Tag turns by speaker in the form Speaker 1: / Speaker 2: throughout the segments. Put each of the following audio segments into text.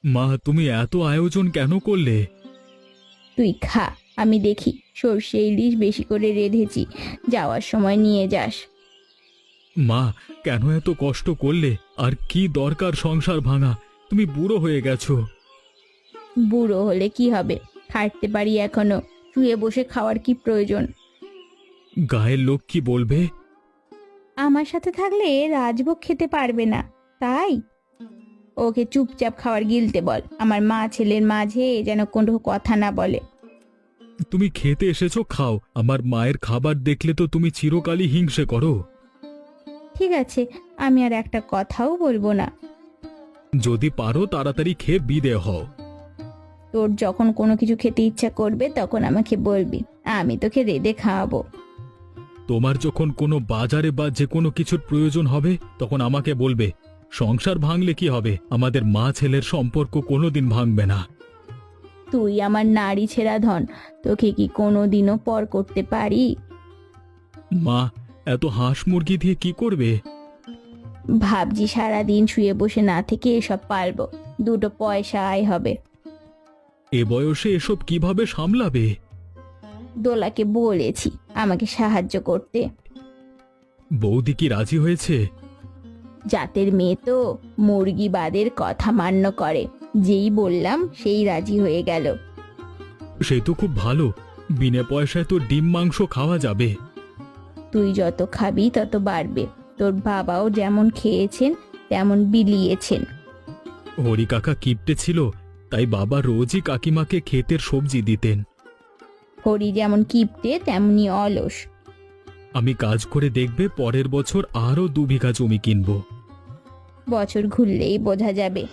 Speaker 1: মা, তুমি এত আয়োজন কেন করলে?
Speaker 2: তুই খা, আমি দেখি সর্ষে ইলিশ বেশি করে রেঁধেছি, যাওয়ার সময় নিয়ে যাস।
Speaker 1: মা, কেন এত কষ্ট করলে? আর কি দরকার সংসার ভাঙা? তুমি বুড়ো হয়ে গেছো।
Speaker 2: বুড়ো হলে কি হবে, হাঁটতে পারি এখনো, শুয়ে বসে খাওয়ার কি প্রয়োজন?
Speaker 1: গায়ের লোক কি বলবে?
Speaker 2: আমার সাথে থাকলে রাজভোগ খেতে পারবে না, তাই ওকে চুপচাপ খাওয়ার গিলতে বল। আমার মা ছেলের মাঝে যেন কোনো কথা না বলে।
Speaker 1: তুমি খেতে এসেছো, খাও। আমার মায়ের খাবার দেখলে তো তুমি চিরকালই হিংসে করো।
Speaker 2: ঠিক আছে, আমি আর একটা কথাও বলবো না।
Speaker 1: যদি পারো তাড়াতাড়ি খেয়ে বিদে হও।
Speaker 2: তোর যখন কোনো কিছু খেতে ইচ্ছা করবে তখন আমাকে বলবি, আমি তোকে রেঁধে খাওয়াবো।
Speaker 1: তোমার যখন কোনো বাজারে বা যে কোনো কিছুর প্রয়োজন হবে তখন আমাকে বলবে। সংসার ভাঙলে কি হবে? আমাদের মা ছেলের সম্পর্ক কোনোদিন ভাঙবে না।
Speaker 2: তুই আমার নারী ছেঁড়া ধন, তোকে কি কোনোদিনও পর করতে পারি?
Speaker 1: মা, এত হাঁস মুরগি দিয়ে কি করবে?
Speaker 2: ভাবছি সারাদিন শুয়ে বসে না থেকে এসব পারবো, দুটো পয়সা আয় হবে।
Speaker 1: এ বয়সে এসব কিভাবে সামলাবে?
Speaker 2: দোলাকে বলেছি আমাকে সাহায্য করতে।
Speaker 1: বৌদি কি রাজি হয়েছে?
Speaker 2: জাতের মেয়ে তো, মুরগি বাদের কথা মান্য করে, যেই বললাম সেই রাজি হয়ে গেল।
Speaker 1: সে তো খুব ভালো। বিনা পয়সায় তো ডিম মাংস খাওয়া যাবে।
Speaker 2: তুই যত খাবি তত বাড়বে, তোর বাবাও যেমন খেয়েছেন তেমন বিলিয়েছেন।
Speaker 1: হরি কাকা কিপটে ছিল, তাই বাবা রোজই কাকিমাকে ক্ষেতের সবজি দিতেন।
Speaker 2: হরি যেমন কিপটে তেমনি অলস।
Speaker 1: আমি কাজ করে দেখবে পরের বছর আরো 2 বিঘা জমি কিনবো।
Speaker 2: বছর ঘুরলেই বোঝা যাবে।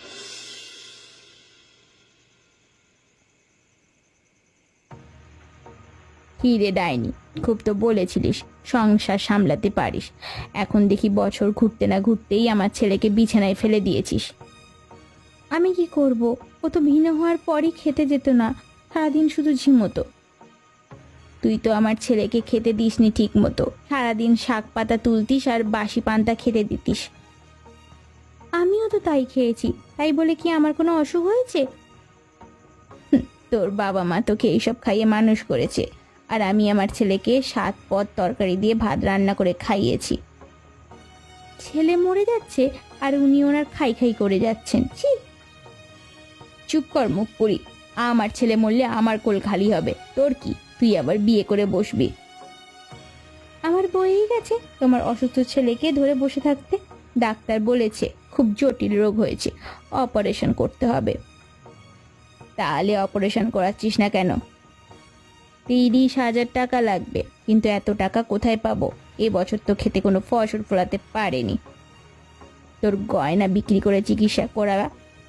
Speaker 2: কি রে ডাইনি, খুব তো বলেছিলিস সংসার সামলাতে পারিস, এখন দেখি বছর ঘুরতে না ঘুরতেই আমার ছেলেকে বিছানায় ফেলে দিয়েছিস। আমি কি করব, ও তো ভিন্ন হওয়ার পরই খেতে যেত না, সারাদিন শুধু ঝিমোতো। তুই তো আমার ছেলেকে খেতে দিসনি ঠিক মতো, সারাদিন শাক পাতা তুলতিস আর বাসি পান্তা খেতে দিতিস। আমিও তো তাই খেয়েছি, তাই বলে কি আমার কোনো অসুখ হয়েছে? তোর বাবা মা তোকে এইসব খাইয়ে মানুষ করেছে, আর আমি আমার ছেলেকে 7 পদ তরকারি দিয়ে ভাত রান্না করে খাইয়েছি। ছেলে মরে যাচ্ছে আর উনি ওনার খাই খাই করে যাচ্ছেন, ছি। চুপ কর মুখ পুরি, আমার ছেলে মরলে আমার কোল খালি হবে, তোর কি? তুই আবার বিয়ে করে বসবি? আমার বয়েই গেছে তোমার অসুস্থ ছেলেকে ধরে বসে থাকতে। ডাক্তার বলেছে খুব জটিল রোগ হয়েছে, অপারেশন করতে হবে। তাহলে অপারেশন করাচ্ছিস না কেন? 30,000 টাকা লাগবে, কিন্তু এত টাকা কোথায় পাবো? এবছর তো খেতে কোনো ফসল ফলাতে পারেনি। তোর গয়না বিক্রি করে চিকিৎসা করাবা?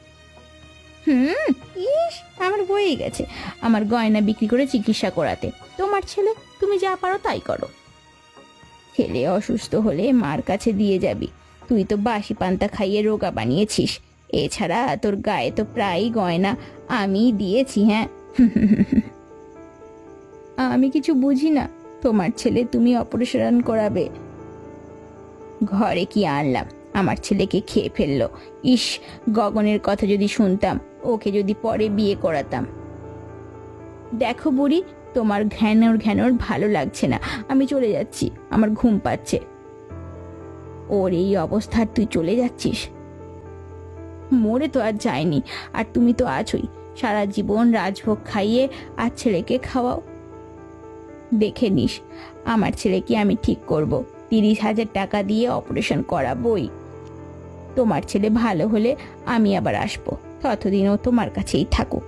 Speaker 2: ইস, আমার বয়েই গেছে আমার গয়না বিক্রি করে চিকিৎসা করাতে। তোমার ছেলে, তুমি যা পারো তাই করো। ছেলে অসুস্থ হলে মার কাছে দিয়ে যাবি, তুই তো বাসি পান্তা খাইয়ে রোগা বানিয়েছিস। এছাড়া তোর গায়ে তো প্রায়ই গয়না আমি দিয়েছি। হ্যাঁ, আমি কিছু বুঝি না, তোমার ছেলে তুমি অপারেশন করাবে। ঘরে কি আনলাম, আমার ছেলেকে খেয়ে ফেললো। ইস, গগনের কথা যদি শুনতাম, ওকে যদি পরে বিয়ে করাতাম। দেখো বুড়ি, তোমার ঘ্যানোর ঘ্যানোর ভালো লাগছে না, আমি চলে যাচ্ছি, আমার ঘুম পাচ্ছে। ওর এই অবস্থার তুই চলে যাচ্ছিস? মরে তো আর যায়নি, আর তুমি তো আছোই, সারা জীবন রাজভোগ খাইয়ে আর ছেলেকে খাওয়াও। দেখে নিস, আমার ছেলেকে আমি ঠিক করব, 30,000 টাকা দিয়ে অপারেশন করাবই। তোমার ছেলে ভালো হলে আমি আবার আসবো, ততদিন ও তোমার কাছেই থাকুক।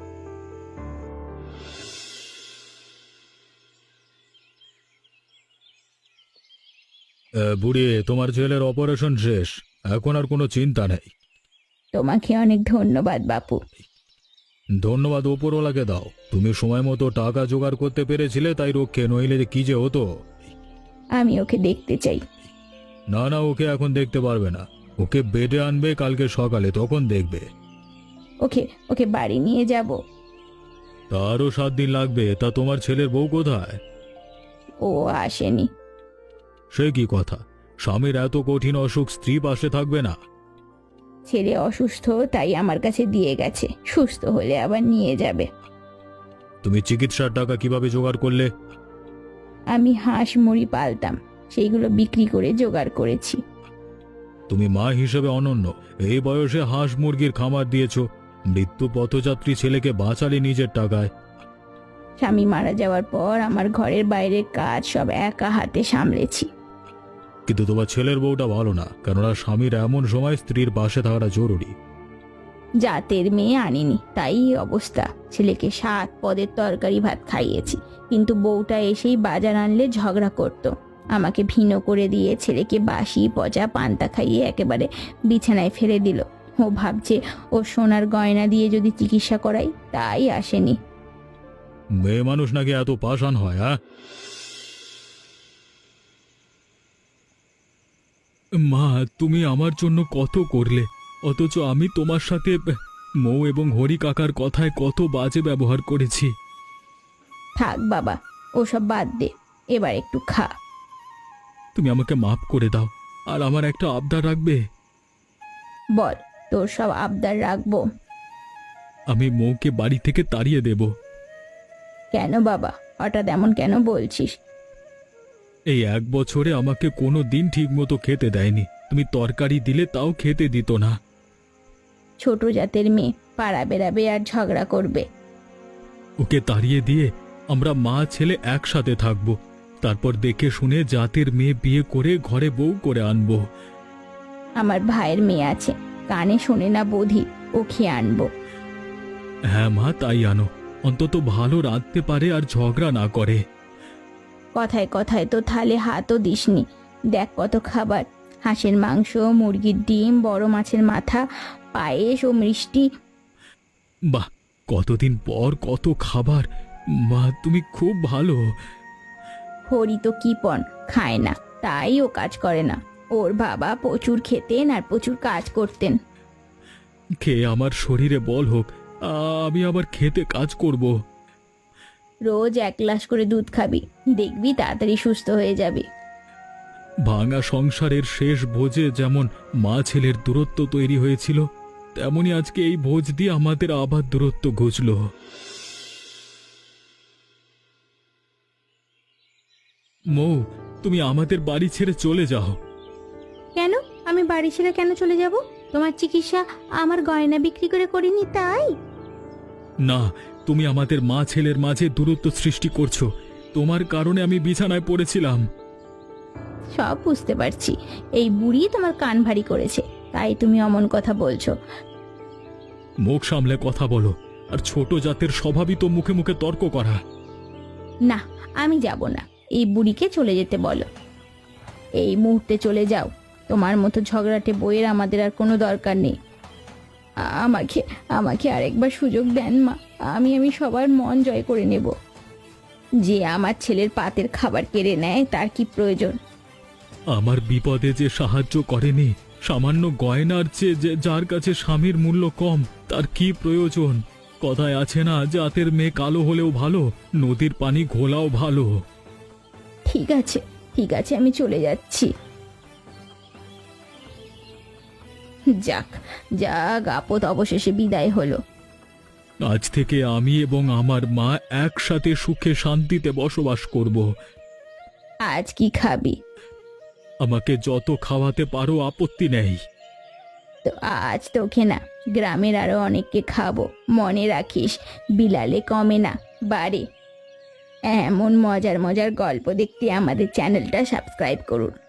Speaker 1: বুড়ি, তোমার ছেলের অপারেশন শেষ, এখন আর কোনো চিন্তা নেই।
Speaker 2: তোমাকে অনেক ধন্যবাদ বাপু।
Speaker 1: ধন্যবাদ ওপরওয়ালাকে দাও, তুমি সময় মতো টাকা জোগাড় করতে পেরেছিলে তাই রক্ষে, নইলে যে কি যে হতো।
Speaker 2: আমি ওকে দেখতে চাই।
Speaker 1: না না, ওকে এখন দেখতে পারবে না, ওকে বেডে আনবে কালকে সকালে, তখন দেখবে।
Speaker 2: ওকে ওকে বাড়ি নিয়ে যাব।
Speaker 1: তারও 7 দিন লাগবে। তা তোমার ছেলের বউ কোথায়?
Speaker 2: ও আসেনি।
Speaker 1: সে কি কথা? স্বামীর এত কঠিন অসুখ, স্ত্রী পাশে থাকবে না?
Speaker 2: ছেলে অসুস্থ, তাই আমার কাছে দিয়ে গেছে, সুস্থ হলে আবার নিয়ে যাবে।
Speaker 1: তুমি চিকিৎসার টাকা কিভাবে জোগাড় করলে?
Speaker 2: আমি হাঁস মুড়ি পালতাম, সেইগুলো বিক্রি করে জোগাড় করেছি।
Speaker 1: তুমি মা হিসেবে অনন্য। এই বয়সে হাঁস মুরগির খামার দিয়েছো, মৃত্যু পথযাত্রী ছেলেকে বাঁচালে নিজের টাকায়।
Speaker 2: স্বামী মারা যাওয়ার পর আমার ঘরের বাইরের কাজ সব একা হাতে সামলেছি।
Speaker 1: কিন্তু তোমার ছেলের বউটা ভালো না, কেননা স্বামীর এমন সময় স্ত্রীর পাশে থাকাটা জরুরি।
Speaker 2: জাতের মেয়ে আনিনি, তাই এই অবস্থা। ছেলেকে 7 পদের তরকারি ভাত খাইয়েছি, কিন্তু বউটা এসেই বাজার আনলে ঝগড়া করত। আমাকে ভিনো করে দিয়ে ছেলেকে বাসি পচা পান্তা খাইয়ে একেবারে বিছানায় ফেলে দিল। ও ভাবছে ও সোনার গয়না দিয়ে যদি চিকিৎসা করাই, তাই আসেনি।
Speaker 1: মেয়ে মানুষ নাকি এত পাষাণ হয়? হ্যাঁ মা, তুমি আমার জন্য কত করলে, অথচ আমি তোমার সাথে মৌ এবং হরি কাকার কথায় কত বাজে ব্যবহার করেছি।
Speaker 2: থাক বাবা, ওসব বাদ দে, এবার একটু খা।
Speaker 1: তুমি আমাকে মাফ করে দাও, আর আমার একটা আবদার রাখবে?
Speaker 2: বল, তোর সব আবদার রাখবো।
Speaker 1: আমি মৌকে বাড়ি থেকে তাড়িয়ে দেব।
Speaker 2: কেন বাবা, হঠাৎ এমন কেন বলছিস?
Speaker 1: এই 1 বছরে আমাকে কোনো দিন ঠিক মতো খেতে দেয়নি। তুমি তরকারি দিলে তাও খেতে দিত না।
Speaker 2: ছোট জাতের মেয়ে, পাড়া বেড়াবে আর ঝগড়া করবে।
Speaker 1: ওকে তাড়িয়ে দিয়ে আমরা মা ছেলে একসাথে থাকব, তারপর দেখে শুনে জাতের মেয়ে বিয়ে করে ঘরে বউ করে আনবো।
Speaker 2: আমার ভাইয়ের মেয়ে আছে, কানে শোনে না বোধি, ও খেয়ে আনবো।
Speaker 1: হ্যাঁ মা, তাই আনো, অন্তত ভালো রাঁধতে পারে আর ঝগড়া না করে।
Speaker 2: কথায় কথায় তো থালে হাতও দিসনি। দেখ কত খাবার, হাঁসের মাংস, মুরগির ডিম, বড় মাছের মাথা, পায়েস ও মিষ্টি।
Speaker 1: বাহ, কতদিন পর কত খাবার! মা, তুমি খুব ভালো।
Speaker 2: হরি তো কিপন, খায় না, তাই ও কাজ করে না। ওর বাবা প্রচুর খেতেন আর প্রচুর কাজ করতেন।
Speaker 1: খেয়ে আমার শরীরে বল হোক, আমি আবার খেতে কাজ করব।
Speaker 2: রোজ 1 গ্লাস করে দুধ খাবি, দেখবি তাড়াতাড়ি সুস্থ হয়ে যাবে।
Speaker 1: ভাঙা সংসারের শেষ ভোজে যেমন মা ছেলের দূরত্ব তৈরি হয়েছিল, তেমনি আজকে এই ভোজ দিয়ে আমাদের আবার দূরত্ব ঘুচল। মৌ, তুমি আমাদের বাড়ি ছেড়ে চলে যাও।
Speaker 2: কেন? আমি বাড়ি ছেড়ে কেন চলে যাব? তোমার চিকিৎসা আমার গয়না বিক্রি করে করিনি তাই?
Speaker 1: না, তুমি আমাদের মা ছেলের মাঝে দূরত্ব সৃষ্টি করছো। তোমার কারণে আমি বিছানায় পড়েছিলাম।
Speaker 2: সব বুঝতে পারছি, এই বুড়ি তোমার কান ভারী করেছে, তাই তুমি অমন কথা বলছো।
Speaker 1: মুখ সামলে কথা বলো, আর ছোট জাতের স্বভাবই তো মুখে মুখে তর্ক করা।
Speaker 2: না, আমি যাব না, এই বুড়িকে চলে যেতে বলো। এই মুহূর্তে চলে যাও, তোমার মতো ঝগড়াটে বইয়ের আমাদের আর কোনো দরকার নেই। আমাকে আমাকে আরেকবার সুযোগ দেন মা, আমি সবার মন জয় করে নেব। যে আমার ছেলের পাতের খাবার কেড়ে নেয় তার কি প্রয়োজন?
Speaker 1: আমার বিপদে যে সাহায্য করেনি, সামান্য গয়নার চেয়ে যে যার কাছে স্বামীর মূল্য কম, তার কি প্রয়োজন? কথায় আছে না, জাতের মেয়ে কালো হলেও ভালো, নদীর পানি ঘোলাও ভালো।
Speaker 2: ঠিক আছে, ঠিক আছে, আমি চলে যাচ্ছি। যাক যাক, আপদ অবশেষে বিদায় হলো।
Speaker 1: আজ থেকে আমি এবং আমার মা একসাথে সুখে শান্তিতে বসবাস করব।
Speaker 2: আজ কি খাবি?
Speaker 1: আমাকে যত খাওয়াতে পারো, আপত্তি নেই।
Speaker 2: তো আজ তোকে না, গ্রামের আরো অনেককে খাবো, মনে রাখিস, বিলালে কমে না, বাড়ে। এমন মজার মজার গল্প দেখতে আমাদের চ্যানেলটা সাবস্ক্রাইব করুন।